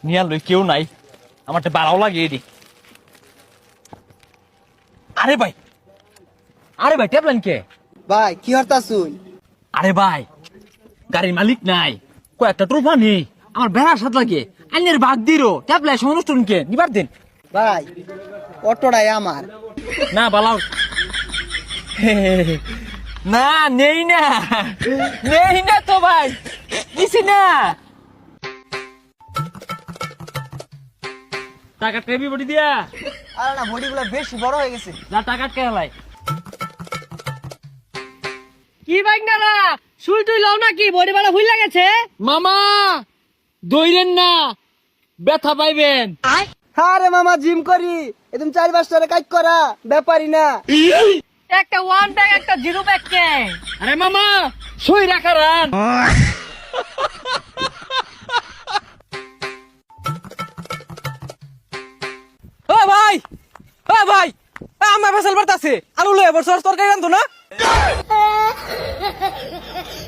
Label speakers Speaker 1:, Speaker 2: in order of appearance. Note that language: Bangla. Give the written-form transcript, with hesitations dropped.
Speaker 1: নিয়ার লই কেউ নাই, আমার তো বাড়াও লাগে এটি। আরে ভাই, আরে ভাই ট্যাবলেন কে?
Speaker 2: ভাই কি হরতা শুন?
Speaker 1: আরে ভাই গাড়ির মালিক নাই, কয়েকটা ট্রোফা নেই, আমার বেড়ার সাথে লাগে আইনের বাদ দিরো ট্যাবলেট অনুষ্ঠান কে নিবার দিন।
Speaker 2: ভাই অটোটাই আমার।
Speaker 1: না বালাও না, নেই না, নেই না তো ভাই, দিছি না। টাকা টেবি বডি দিয়া
Speaker 2: আরে না, বডিগুলো বেশি বড় হয়ে গেছে।
Speaker 1: যা টাকা কেলাই।
Speaker 3: কি বাইক না শুই তুই লও নাকি বডি বাড়া ভুল লাগেছে?
Speaker 1: মামা দইরেন না, ব্যথা পাইবেন।
Speaker 2: আরে মামা জিম করি, একদম 4-5 টাকা কাজ করা ব্যাপারই না।
Speaker 3: একটা ওয়ান ব্যাগ একটা জিরো ব্যাগ কে?
Speaker 1: আরে মামা সই রাখারান।
Speaker 4: ও ভাই, ও ভাই, আমার ফসল বাড়তাছে, আলু লয়ে বছর তরকারি রান্ধো না।